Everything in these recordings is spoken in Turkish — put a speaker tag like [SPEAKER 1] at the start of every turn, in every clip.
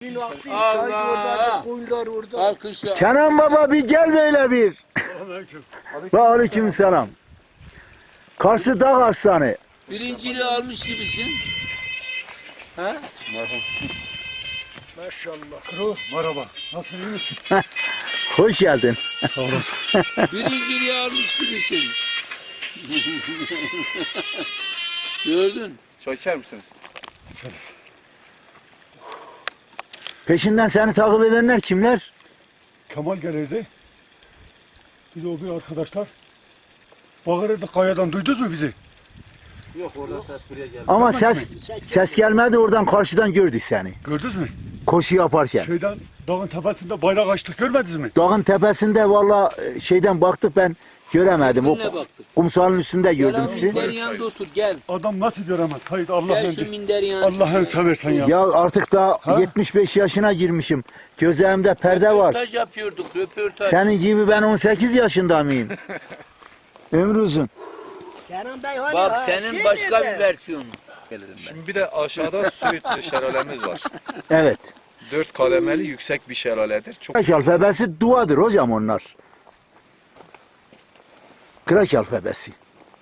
[SPEAKER 1] Suyun aktı, sanki
[SPEAKER 2] Allah!
[SPEAKER 1] orada, koyunlar orada.
[SPEAKER 2] Alkışla.
[SPEAKER 3] Kenan baba bir gel böyle bir. Ve aleykümselam. Karşı Dağ Arslanı.
[SPEAKER 2] Birinciliği almış gibisin. Ha?
[SPEAKER 1] Maşallah.
[SPEAKER 4] Merhaba. Nasılsın, iyi misin?
[SPEAKER 3] Hoş geldin.
[SPEAKER 4] Sağ olasın.
[SPEAKER 2] Birinciliği almış gibisin. Gördün.
[SPEAKER 5] Çay içer misiniz?
[SPEAKER 3] Peşinden seni takip edenler kimler?
[SPEAKER 4] Kemal gelirdi. Bir de o bir arkadaşlar. Bağırırdı kayadan, duydunuz mu bizi?
[SPEAKER 5] Yok, oradan ses buraya geldi.
[SPEAKER 3] Ama ses gelmedi, oradan karşıdan gördük seni.
[SPEAKER 4] Gördünüz mü?
[SPEAKER 3] Koşu yaparken.
[SPEAKER 4] Şeyden, dağın tepesinde bayrak açtık, görmediniz mi?
[SPEAKER 3] Dağın tepesinde valla şeyden baktık, ben göremedim. O
[SPEAKER 2] Ne baktık?
[SPEAKER 3] kumsalın üstünde gördüm
[SPEAKER 2] Gel
[SPEAKER 3] sizi.
[SPEAKER 2] minderin yanında otur gel.
[SPEAKER 4] Adam nasıl göremez? Hayır,
[SPEAKER 2] Gel
[SPEAKER 4] Allah'ın
[SPEAKER 2] şu minderin yanında.
[SPEAKER 4] Allah'ını seversen ya.
[SPEAKER 3] Ya artık da
[SPEAKER 4] Ha?
[SPEAKER 3] 75 yaşına girmişim. Gözlerimde perde var.
[SPEAKER 2] Röportaj yapıyorduk, röportaj.
[SPEAKER 3] Senin gibi ben 18 yaşında mıyım? Ömrü uzun.
[SPEAKER 1] Kenan Bey hani
[SPEAKER 2] Bak
[SPEAKER 1] ha,
[SPEAKER 2] senin
[SPEAKER 1] şey
[SPEAKER 2] başka
[SPEAKER 1] nerede?
[SPEAKER 2] bir versiyonu. Gelirim ben.
[SPEAKER 5] Şimdi bir de aşağıda Söğüt şelalemiz var.
[SPEAKER 3] Evet.
[SPEAKER 5] 4 kademeli yüksek bir şelaledir. Çok
[SPEAKER 3] Krak alfabesi duadır hocam onlar. Krak alfabesi.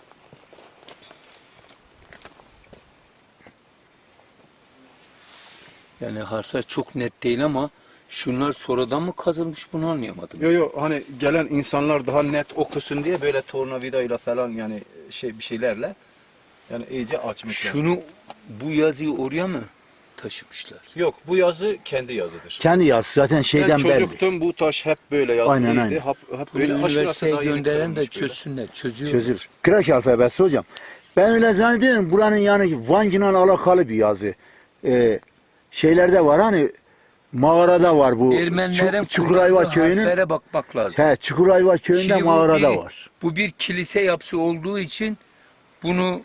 [SPEAKER 2] Yani harfler çok net değil ama şunlar sonradan mı kazılmış bunu anlayamadım.
[SPEAKER 5] Yo hani gelen insanlar daha net okusun diye böyle tornavidayla falan yani bir şeylerle yani iyice açmışlar.
[SPEAKER 2] Şunu bu yazıyı oraya mı taşımışlar?
[SPEAKER 5] Yok, bu yazı kendi yazıdır.
[SPEAKER 3] Kendi yaz zaten şeyden
[SPEAKER 5] Ben
[SPEAKER 3] belli.
[SPEAKER 5] çocuktum, bu taş hep böyle yazılıydı.
[SPEAKER 3] Aynen, aynen.
[SPEAKER 5] Hep
[SPEAKER 2] Bunu
[SPEAKER 5] böyle aşırı
[SPEAKER 2] üniversiteye
[SPEAKER 5] daha yeni
[SPEAKER 2] gönderen de
[SPEAKER 5] kırılmış böyle.
[SPEAKER 2] çözsünler. Çözüyor.
[SPEAKER 3] Çözülür. Krak alfabesi hocam. Ben öyle zannediyorum buranın yani Van'la alakalı bir yazı. Şeylerde var hani mağarada var bu.
[SPEAKER 2] Ermenilerin
[SPEAKER 3] Çukurayva
[SPEAKER 2] kullandığı
[SPEAKER 3] köyünün.
[SPEAKER 2] harflere bakmak lazım.
[SPEAKER 3] He, Çukurayva köyünde
[SPEAKER 2] Şimdi
[SPEAKER 3] mağarada var.
[SPEAKER 2] Bu bir kilise yapısı olduğu için bunu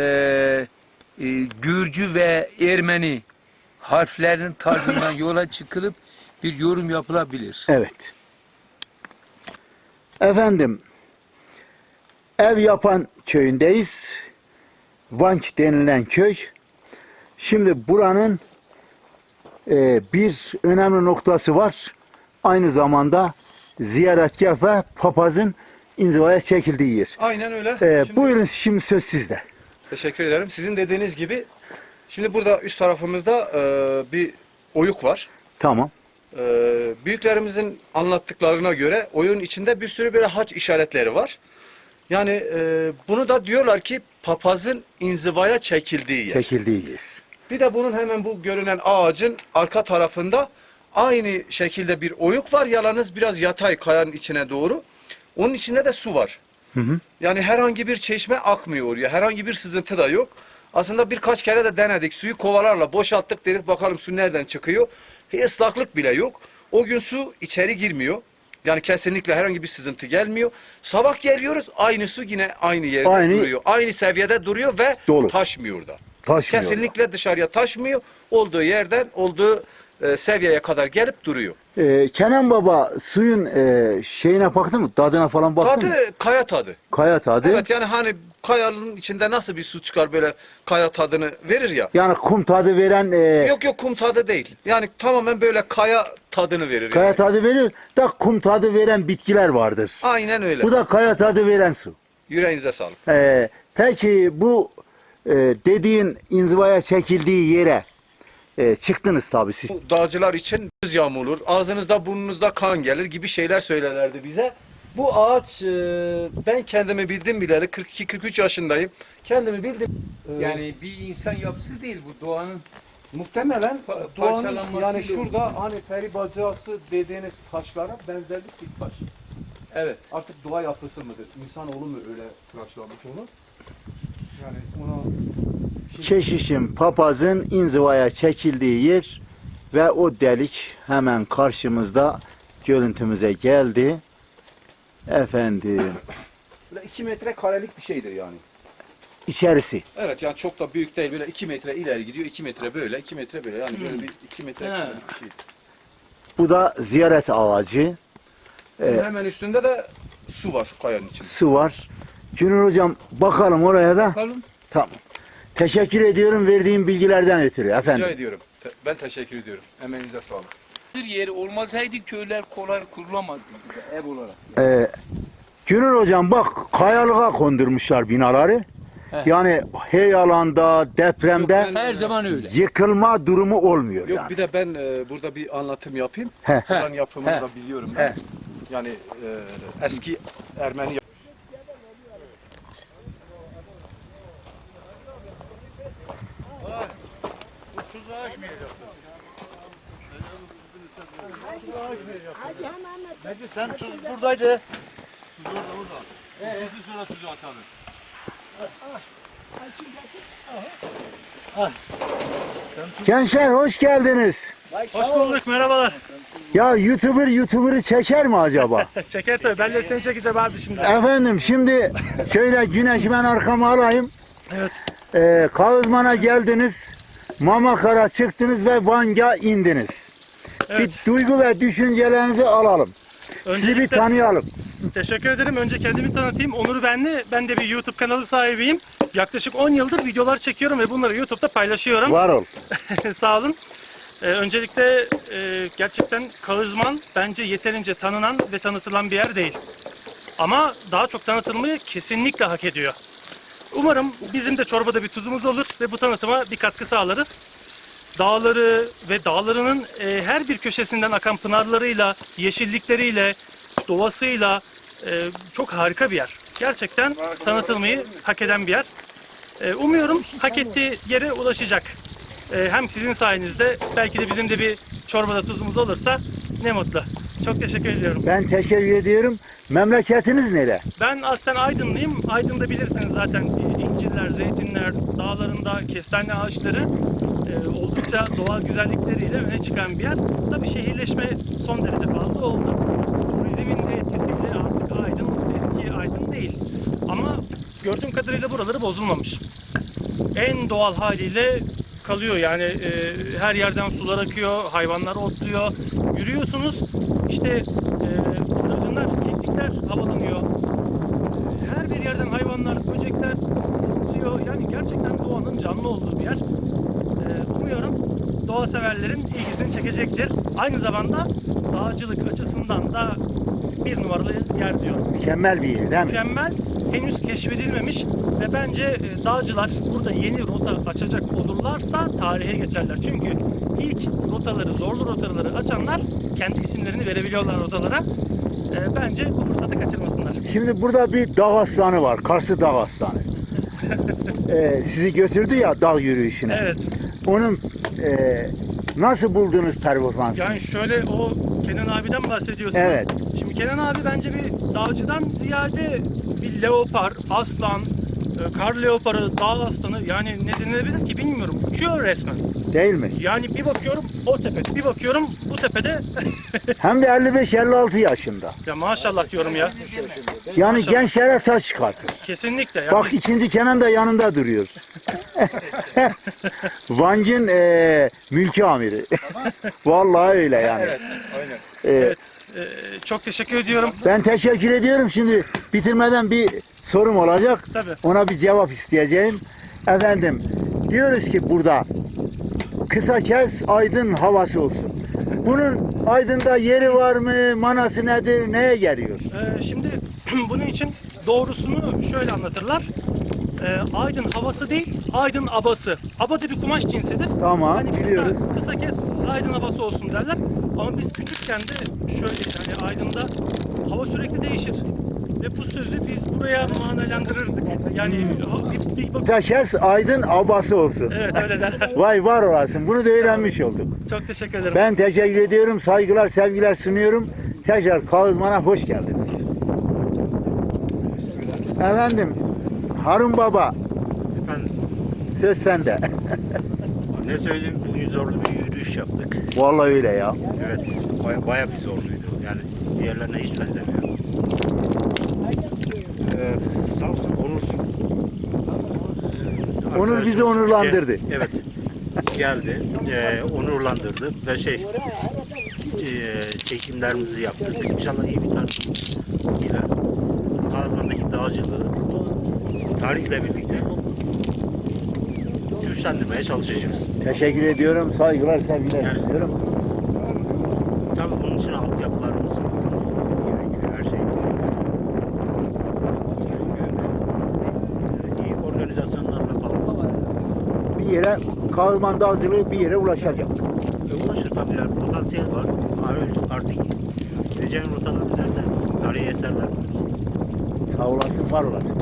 [SPEAKER 2] Gürcü ve Ermeni harflerinin tarzından yola çıkılıp bir yorum yapılabilir.
[SPEAKER 3] Evet. Efendim, ev yapan köyündeyiz. Vank denilen köy. Şimdi buranın bir önemli noktası var. Aynı zamanda ziyaretgah ve papazın inzivaya çekildiği yer.
[SPEAKER 5] Aynen öyle. Şimdi-
[SPEAKER 3] Buyurun şimdi söz sizde.
[SPEAKER 5] Teşekkür ederim. Sizin dediğiniz gibi şimdi burada üst tarafımızda bir oyuk var.
[SPEAKER 3] Tamam.
[SPEAKER 5] Büyüklerimizin anlattıklarına göre oyun içinde bir sürü böyle haç işaretleri var. Yani bunu da diyorlar ki papazın inzivaya çekildiği yer.
[SPEAKER 3] Çekildiği yer.
[SPEAKER 5] Bir de bunun hemen bu görünen ağacın arka tarafında aynı şekilde bir oyuk var. Yalnız biraz yatay kayanın içine doğru. Onun içinde de su var. Yani herhangi bir çeşme akmıyor oraya. Herhangi bir sızıntı da yok. Aslında birkaç kere de denedik. Suyu kovalarla boşalttık, dedik bakalım su nereden çıkıyor. Islaklık bile yok. O gün su içeri girmiyor. Yani kesinlikle herhangi bir sızıntı gelmiyor. Sabah geliyoruz, aynı su yine aynı yerde duruyor. Aynı seviyede duruyor ve
[SPEAKER 3] Dolu.
[SPEAKER 5] taşmıyor da.
[SPEAKER 3] Taşmıyor.
[SPEAKER 5] Kesinlikle dışarıya taşmıyor. Olduğu yerden olduğu seviyeye kadar gelip duruyor.
[SPEAKER 3] Kenan baba suyun şeyine baktın mı? Tadına falan baktın mı?
[SPEAKER 5] Tadı kaya tadı.
[SPEAKER 3] Kaya tadı.
[SPEAKER 5] Evet, yani hani kayanın içinde nasıl bir su çıkar böyle kaya tadını verir ya.
[SPEAKER 3] Yani kum tadı veren
[SPEAKER 5] Yok kum tadı değil. Yani tamamen böyle kaya tadını verir.
[SPEAKER 3] kaya
[SPEAKER 5] yani.
[SPEAKER 3] tadı verir da kum tadı veren bitkiler vardır.
[SPEAKER 5] Aynen öyle.
[SPEAKER 3] Bu da kaya tadı veren su.
[SPEAKER 5] Yüreğinize sağlık.
[SPEAKER 3] Peki bu dediğin inzivaya çekildiği yere çıktınız tabii siz.
[SPEAKER 5] Bu dağcılar için göz yağmurur, ağzınızda burnunuzda kan gelir gibi şeyler söylerlerdi bize. Bu ağaç ben kendimi bildim bileli 42-43 yaşındayım. Kendimi bildim.
[SPEAKER 2] Yani bir insan yapısı değil bu doğanın.
[SPEAKER 5] Muhtemelen doğanın
[SPEAKER 2] parçalanmasıyla
[SPEAKER 5] yani
[SPEAKER 2] oldu.
[SPEAKER 5] şurada hani peri bacası dediğiniz taşlara benzerlik bir taş.
[SPEAKER 2] Evet.
[SPEAKER 5] Artık doğa yapısı mıdır? İnsanoğlu mu öyle tıraşlamış onu? Yani ona
[SPEAKER 3] Keşişin papazın inzivaya çekildiği yer ve o delik hemen karşımızda görüntümüze geldi. Efendim
[SPEAKER 5] böyle 2 metre karelik bir şeydir yani.
[SPEAKER 3] içerisi.
[SPEAKER 5] Evet, yani çok da büyük değil, böyle 2 metre ileri gidiyor, 2 metre böyle, 2 metre böyle, yani böyle bir 2 metre karelik bir şey.
[SPEAKER 3] Bu da ziyaret ağacı.
[SPEAKER 5] Bunun hemen üstünde de su var kayanın içinde.
[SPEAKER 3] Su var. Cüneyt hocam bakalım oraya da.
[SPEAKER 2] Bakalım.
[SPEAKER 3] Tamam. Teşekkür ediyorum verdiğim bilgilerden ötürü efendim.
[SPEAKER 5] Rica ediyorum. Ben teşekkür ediyorum. Emeğinize sağlık.
[SPEAKER 2] Bir yeri olmasaydı köyler kolay kurulamazdı ev olarak.
[SPEAKER 3] Günür hocam bak kayalığa kondurmuşlar binaları. Yani heyalanda, depremde
[SPEAKER 5] Yok,
[SPEAKER 2] Her zaman öyle.
[SPEAKER 3] yıkılma durumu olmuyor
[SPEAKER 5] Yok
[SPEAKER 3] yani.
[SPEAKER 5] bir de ben burada bir anlatım yapayım.
[SPEAKER 3] He.
[SPEAKER 5] Buranın yapımını
[SPEAKER 2] He.
[SPEAKER 5] da biliyorum ben.
[SPEAKER 2] He.
[SPEAKER 5] Yani eski Ermeni
[SPEAKER 1] Sen tuz buradaydı.
[SPEAKER 3] Gençler hoş geldiniz.
[SPEAKER 6] Hoş bulduk, merhabalar.
[SPEAKER 3] Ya YouTuber'ı çeker mi acaba?
[SPEAKER 6] Çeker tabii, ben de seni çekeceğim abi şimdi.
[SPEAKER 3] Efendim şimdi şöyle güneşi ben arkama alayım.
[SPEAKER 6] Evet.
[SPEAKER 3] Kağızman'a geldiniz. Mamakara çıktınız ve Van'a indiniz.
[SPEAKER 6] Evet.
[SPEAKER 3] Bir duygu ve düşüncelerinizi alalım. Sizi bir
[SPEAKER 6] Öncelikle
[SPEAKER 3] tanıyalım.
[SPEAKER 6] teşekkür ederim. Önce kendimi tanıtayım. Onur Benli. Ben de bir YouTube kanalı sahibiyim. Yaklaşık 10 yıldır videolar çekiyorum ve bunları YouTube'da paylaşıyorum.
[SPEAKER 3] Var ol.
[SPEAKER 6] Sağ olun. Öncelikle gerçekten Kağızman bence yeterince tanınan ve tanıtılan bir yer değil. Ama daha çok tanıtılmayı kesinlikle hak ediyor. Umarım bizim de çorbada bir tuzumuz olur ve bu tanıtıma bir katkı sağlarız. Dağları ve dağlarının her bir köşesinden akan pınarlarıyla, yeşillikleriyle, doğasıyla çok harika bir yer. Gerçekten tanıtılmayı hak eden bir yer. Umuyorum hak ettiği yere ulaşacak. Hem sizin sayenizde belki de bizim de bir çorbada tuzumuz olursa ne mutlu. Çok teşekkür ediyorum.
[SPEAKER 3] Ben teşekkür ediyorum. Memleketiniz nere?
[SPEAKER 6] Ben aslen Aydınlıyım. Aydın'da bilirsiniz zaten incirler, zeytinler, dağlarında kestane ağaçları oldukça doğal güzellikleriyle öne çıkan bir yer. Tabii şehirleşme son derece fazla oldu. Turizmin de etkisiyle artık Aydın eski Aydın değil. Ama gördüğüm kadarıyla buraları bozulmamış. En doğal haliyle kalıyor yani her yerden sular akıyor, hayvanlar otluyor. Yürüyorsunuz işte bıldırcınlar, keklikler havalanıyor. Her bir yerden hayvanlar, böcekler zıplıyor. Yani gerçekten doğanın canlı olduğu bir yer. Umuyorum doğa severlerin ilgisini çekecektir. Aynı zamanda dağcılık açısından da bir numaralı yer diyorum.
[SPEAKER 3] Mükemmel bir yer değil mi?
[SPEAKER 6] Mükemmel, henüz keşfedilmemiş ve bence dağcılar burada yeni rota açacak olurlarsa tarihe geçerler. Çünkü ilk rotaları, zorlu rotaları açanlar kendi isimlerini verebiliyorlar rotalara. Bence bu fırsatı kaçırmasınlar.
[SPEAKER 3] Şimdi burada bir dağ aslanı var. Karşı dağ aslanı. Sizi götürdü ya dağ yürüyüşüne.
[SPEAKER 6] Evet.
[SPEAKER 3] Onun nasıl buldunuz performansını?
[SPEAKER 6] Yani şöyle o Kenan abiden bahsediyorsunuz.
[SPEAKER 3] Evet.
[SPEAKER 6] Şimdi Kenan abi bence bir dağcıdan ziyade bir leopar, aslan, kar leoparı, dağ aslanı yani ne denilebilir ki bilmiyorum. Uçuyor resmen.
[SPEAKER 3] Değil mi?
[SPEAKER 6] Yani bir bakıyorum o tepede, bir bakıyorum bu tepede.
[SPEAKER 3] Hem de 55-56 yaşında.
[SPEAKER 6] Ya maşallah diyorum ya.
[SPEAKER 3] Yani
[SPEAKER 6] Maşallah.
[SPEAKER 3] gençlere taş çıkartır.
[SPEAKER 6] Kesinlikle. Ya
[SPEAKER 3] Bak
[SPEAKER 6] biz-
[SPEAKER 3] ikinci Kenan da yanında duruyor. Van'ın mülki amiri. Vallahi öyle yani.
[SPEAKER 6] evet, çok teşekkür ediyorum.
[SPEAKER 3] Ben teşekkür ediyorum. Şimdi bitirmeden bir sorum olacak.
[SPEAKER 6] Tabii.
[SPEAKER 3] Ona bir cevap isteyeceğim. Efendim diyoruz ki burada kısa kes Aydın havası olsun. Bunun Aydın'da yeri var mı? Manası nedir? Neye geliyor?
[SPEAKER 6] Şimdi bunun için doğrusunu şöyle anlatırlar. Aydın havası değil, Aydın abası. Aba da bir kumaş cinsidir.
[SPEAKER 3] Tamam,
[SPEAKER 6] Hani
[SPEAKER 3] biliyoruz.
[SPEAKER 6] Kısa kes Aydın havası olsun derler. Ama biz küçükken de şöyle yani Aydın'da hava sürekli değişir. Ve bu sözü biz buraya manalandırırdık. Yani bir
[SPEAKER 3] Kısa kes Aydın abası olsun.
[SPEAKER 6] evet öyle derler.
[SPEAKER 3] Vay var olasın. Bunu da öğrenmiş olduk.
[SPEAKER 6] Çok teşekkür ederim.
[SPEAKER 3] Ben teşekkür ediyorum. Saygılar, sevgiler sunuyorum. Tekrar Kağızman'a hoş geldiniz. Efendim, Harun Baba,
[SPEAKER 7] Efendim,
[SPEAKER 3] söz sende.
[SPEAKER 7] ne söyleyeyim, bugün zorlu bir yürüyüş yaptık.
[SPEAKER 3] Vallahi öyle ya.
[SPEAKER 7] Evet, baya bir zorluydu. Yani diğerlerine hiç benzemiyor. Sağ olsun Onur.
[SPEAKER 3] Onur bizi
[SPEAKER 7] arkadaşımız
[SPEAKER 3] onurlandırdı.
[SPEAKER 7] evet, geldi, onurlandırdı ve çekimlerimizi yaptırdık. İnşallah iyi bir tarihle Kağızman'daki dağcılığı tarihle birlikte güçlendirmeye çalışacağız.
[SPEAKER 3] Teşekkür ediyorum. Saygılar, sevgiler
[SPEAKER 7] Yani-
[SPEAKER 3] sunuyorum.
[SPEAKER 7] Tabii bunun için altyapılarımız falan olması gerekiyor. Her şey olması gerekiyor. İyi organizasyonlarla falan
[SPEAKER 3] Bir yere Kağızman Dağcılığı bir yere ulaşacak.
[SPEAKER 7] ulaşır tabii. Yani potansiyel var. Artık gideceğin rotalar üzerinde tarihi eserler var.
[SPEAKER 3] Sağ olasın, var olasın.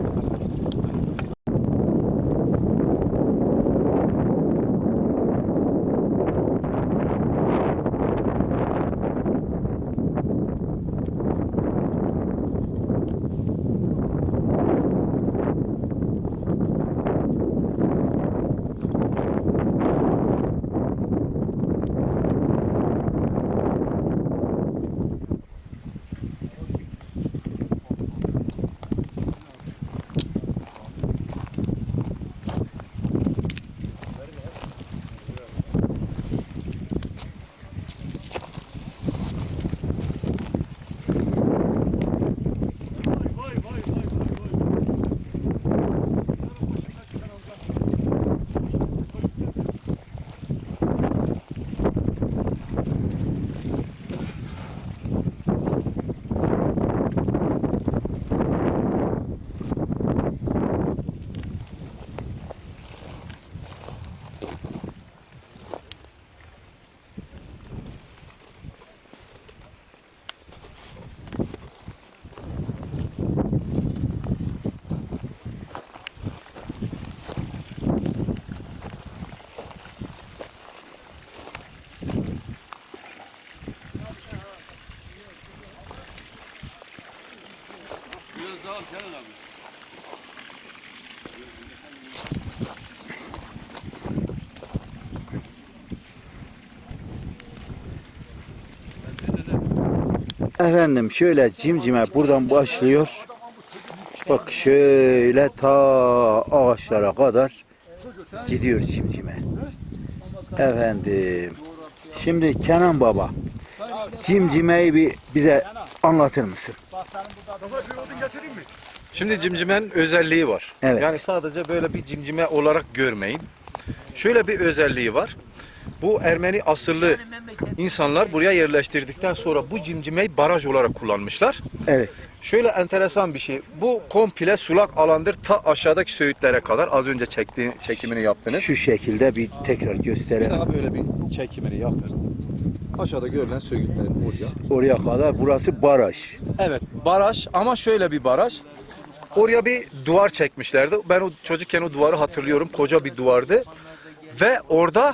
[SPEAKER 3] Efendim şöyle Cimcime buradan başlıyor. Bak şöyle ta ağaçlara kadar gidiyor Cimcime. Efendim. Şimdi Kenan Baba, Cimcime'yi bir bize anlatır mısın?
[SPEAKER 5] Şimdi cimcimenin özelliği var.
[SPEAKER 3] Evet.
[SPEAKER 5] Yani sadece böyle bir cimcime olarak görmeyin. Şöyle bir özelliği var. Bu Ermeni asıllı insanlar buraya yerleştirdikten sonra bu cimcimeyi baraj olarak kullanmışlar.
[SPEAKER 3] Evet.
[SPEAKER 5] Şöyle enteresan bir şey. Bu komple sulak alandır ta aşağıdaki söğütlere kadar. Az önce çekimini yaptınız.
[SPEAKER 3] Şu şekilde bir tekrar
[SPEAKER 5] Bir
[SPEAKER 3] gösterelim.
[SPEAKER 5] daha böyle bir çekimini yapın. Aşağıda görülen söğütlerin oraya.
[SPEAKER 3] Oraya kadar burası baraj.
[SPEAKER 5] Evet, baraj ama şöyle bir baraj. Oraya bir duvar çekmişlerdi. Ben o çocukken o duvarı hatırlıyorum. Koca bir duvardı. Ve orada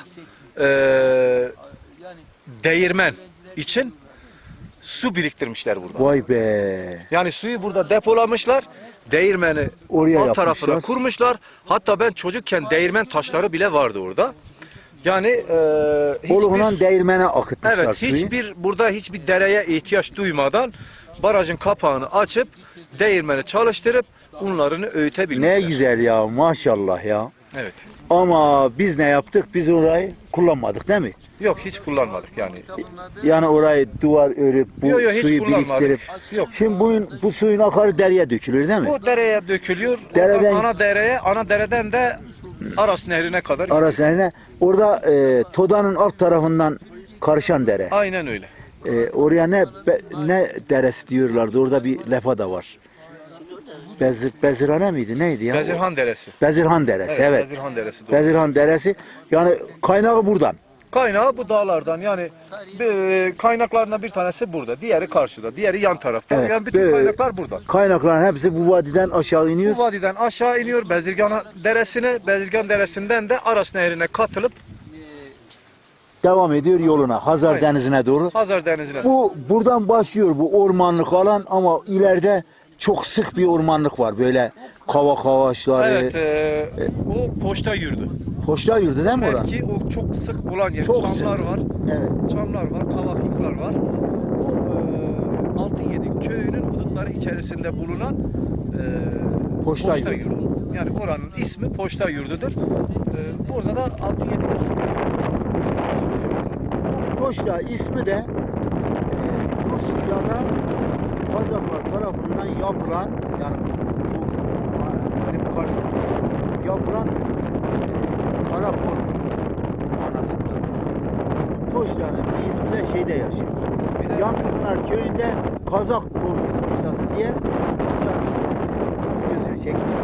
[SPEAKER 5] değirmen için su biriktirmişler burada.
[SPEAKER 3] Vay be.
[SPEAKER 5] Yani suyu burada depolamışlar. Değirmeni
[SPEAKER 3] Oraya
[SPEAKER 5] alt tarafına
[SPEAKER 3] yapmışlar.
[SPEAKER 5] kurmuşlar. Hatta ben çocukken değirmen taşları bile vardı orada. Yani
[SPEAKER 3] Oluğundan değirmene akıtmışlar
[SPEAKER 5] evet,
[SPEAKER 3] suyu.
[SPEAKER 5] burada hiçbir dereye ihtiyaç duymadan barajın kapağını açıp değirmeni çalıştırıp unlarını öğütebilmişler.
[SPEAKER 3] Ne güzel ya, maşallah ya.
[SPEAKER 5] Evet.
[SPEAKER 3] Ama biz ne yaptık? Biz orayı kullanmadık değil mi?
[SPEAKER 5] Yok, hiç kullanmadık yani.
[SPEAKER 3] Yani orayı duvar örüp bu
[SPEAKER 5] Yok, hiç
[SPEAKER 3] suyu
[SPEAKER 5] kullanmadık.
[SPEAKER 3] biriktirip.
[SPEAKER 5] Yok.
[SPEAKER 3] Şimdi bu suyun akarı dereye dökülür değil mi?
[SPEAKER 5] Bu dereye dökülüyor.
[SPEAKER 3] Dereden-
[SPEAKER 5] Oradan ana dereden de Aras Nehri'ne kadar.
[SPEAKER 3] Arasına orada Toda'nın alt tarafından karışan dere.
[SPEAKER 5] Aynen öyle.
[SPEAKER 3] Oraya ne deresi diyorlardı? Orada bir lefa da var. Bezirhane miydi? Neydi ya?
[SPEAKER 5] Bezirhan Deresi.
[SPEAKER 3] Bezirhan Deresi, evet.
[SPEAKER 5] Bezirhan Deresi. Doğru.
[SPEAKER 3] Bezirhan Deresi. Yani kaynağı buradan.
[SPEAKER 5] Kaynağı bu dağlardan, yani kaynaklarından bir tanesi burada, diğeri karşıda, diğeri yan tarafta.
[SPEAKER 3] Evet,
[SPEAKER 5] Yani bütün
[SPEAKER 3] böyle-
[SPEAKER 5] kaynaklar buradan.
[SPEAKER 3] Kaynakların hepsi bu vadiden aşağı iniyor.
[SPEAKER 5] Bu vadiden aşağı iniyor Bezirgan Deresi'ne, Bezirgan Deresi'nden de Aras Nehri'ne katılıp
[SPEAKER 3] Devam ediyor yoluna. Hazar
[SPEAKER 5] Aynen.
[SPEAKER 3] Denizi'ne doğru.
[SPEAKER 5] Hazar Denizi'ne.
[SPEAKER 3] Bu buradan başlıyor bu ormanlık alan ama ileride çok sık bir ormanlık var. Böyle kavak ağaçları.
[SPEAKER 5] Evet, o poşta yurdu.
[SPEAKER 3] Hoşlar yurdu değil mi oran?
[SPEAKER 5] Belki o çok sık olan yer.
[SPEAKER 3] Çok
[SPEAKER 5] Çamlar
[SPEAKER 3] sık.
[SPEAKER 5] var,
[SPEAKER 3] Evet.
[SPEAKER 5] çamlar var, kavaklıklar var. O Altınyedik köyünün hudutları içerisinde bulunan
[SPEAKER 3] Poşta
[SPEAKER 5] poşta
[SPEAKER 3] yurdu.
[SPEAKER 5] yurdu. Yani oranın ismi poşta yurdudur. Burada da Altınyedik.
[SPEAKER 3] Hoşla ismi de Rusya'da Kazaklar tarafından yapılan yani bu bizim Kars'ta yapılan Karakolmuş. Anasındadır. Poştanın bir ismi de şeyde yaşıyor. Yankıpınar köyünde Kazak poştası diye orada videosunu çektik.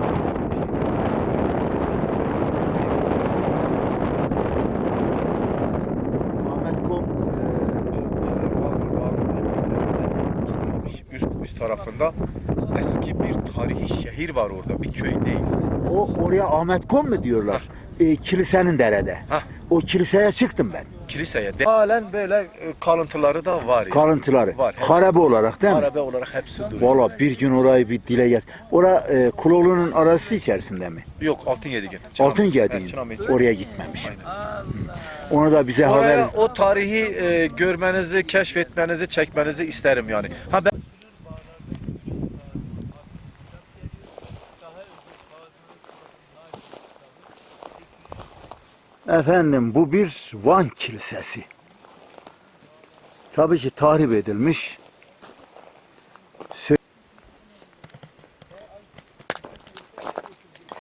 [SPEAKER 3] Ahmet Kom
[SPEAKER 5] Üst tarafında eski bir tarihi şehir var orada. Bir köy değil.
[SPEAKER 3] oraya Ahmet Kom mu diyorlar? Kilisenin derede.
[SPEAKER 5] Hah.
[SPEAKER 3] O kiliseye çıktım ben.
[SPEAKER 5] Kiliseye. Halen böyle kalıntıları da var. Yani.
[SPEAKER 3] Kalıntıları.
[SPEAKER 5] Var.
[SPEAKER 3] Harabe olarak değil mi?
[SPEAKER 5] Harabe olarak hepsi duruyor.
[SPEAKER 3] Valla bir gün orayı bir dile get. Kuloğlu'nun arası içerisinde mi?
[SPEAKER 5] Yok Altınyediğin.
[SPEAKER 3] Altın Gediğin. Oraya gitmemiş. Onu da bize haber...
[SPEAKER 5] Oraya o tarihi görmenizi, keşfetmenizi, çekmenizi isterim yani. Ha ben
[SPEAKER 3] Efendim bu bir Van Kilisesi. Tabii ki tahrip edilmiş.